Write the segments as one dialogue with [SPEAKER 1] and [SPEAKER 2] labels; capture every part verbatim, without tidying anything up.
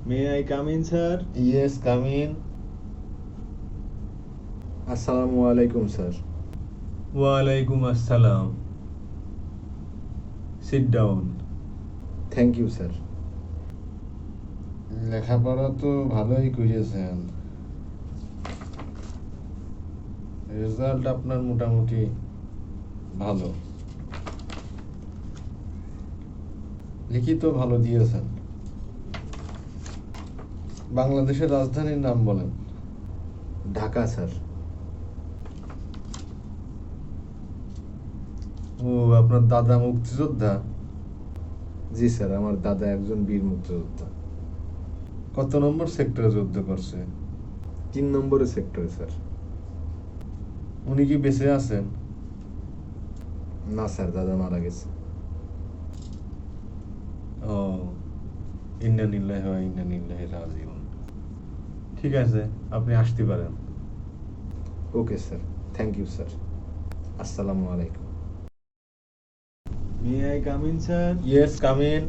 [SPEAKER 1] May I come in, sir?
[SPEAKER 2] Yes, come in.
[SPEAKER 3] আসসালামু আলাইকুম sir.
[SPEAKER 1] Walaikum assalam. Sit down.
[SPEAKER 3] Thank you sir.
[SPEAKER 2] লেখাপড়া তো ভালোই করেছেন, রেজাল্ট আপনার মোটামুটি ভালো, লিখিত ভালো দিয়েছেন। বাংলাদেশের রাজধানীর নাম বলেন।
[SPEAKER 3] ঢাকা স্যার।
[SPEAKER 2] ও, আপনার দাদা মুক্তিযোদ্ধা?
[SPEAKER 3] জি স্যার, আমার দাদা একজন বীর মুক্তিযোদ্ধা।
[SPEAKER 2] কত নম্বর সেক্টরে যুদ্ধ করছে?
[SPEAKER 3] তিন নম্বরের সেক্টরে স্যার।
[SPEAKER 2] উনি কি বেঁচে আছেন?
[SPEAKER 3] না স্যার, দাদা মারা গেছে।
[SPEAKER 2] ও, ইন্না লিল্লাহি ওয়া ইন্না ইলাইহি রাজিউন।
[SPEAKER 1] ঠিক আছে, আপনি আসতে পারেন।
[SPEAKER 3] Okay sir, thank you sir. আসসালামু আলাইকুম।
[SPEAKER 1] May I come in, sir?
[SPEAKER 2] Yes, come in.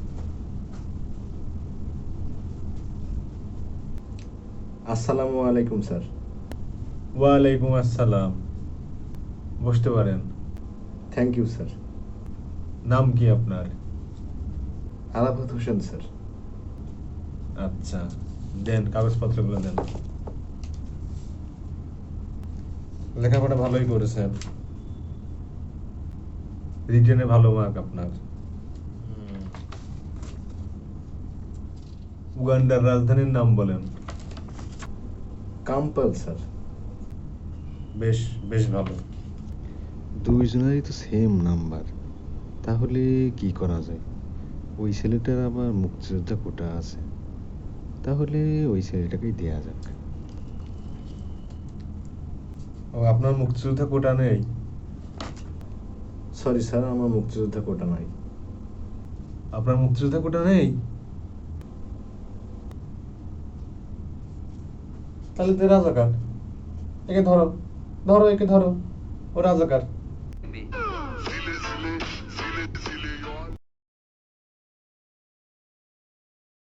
[SPEAKER 3] আসসালামু আলাইকুম স্যার।
[SPEAKER 1] ওয়ালাইকুম আসসালাম। বসতে পারেন।
[SPEAKER 3] Thank you sir.
[SPEAKER 1] নাম কি আপনার?
[SPEAKER 3] আরাফাত হোসেন স্যার।
[SPEAKER 1] আচ্ছা, দেন কাগজপত্রগুলো দেন।
[SPEAKER 2] লেখাপড়া ভালোই করেছেন।
[SPEAKER 1] রিটেনে ভালো মার্ক আপনার। উগান্ডার রাজধানীর নাম বলেন।
[SPEAKER 3] Kampala sir.
[SPEAKER 2] বেশ বেশ ভালো।
[SPEAKER 3] দুইজনেরই তো সেম নাম্বার, তাহলে কি করা যায়? ওই ছেলেটার আবার মুক্তিযোদ্ধা কোটা আছে, তাহলে ওই ছেলেটাকেই দেয়া যাক।
[SPEAKER 2] ও, আপনার মুক্তিযোদ্ধা কোটা নেই?
[SPEAKER 3] সরি স্যার, আমার মুক্তিযোদ্ধা কোটা নাই।
[SPEAKER 2] আপনার মুক্তিযোদ্ধা কোটা নেই? তাহলে তো রাজাকার। একে ধরো, ধরো একে ধরো, ও রাজাকার।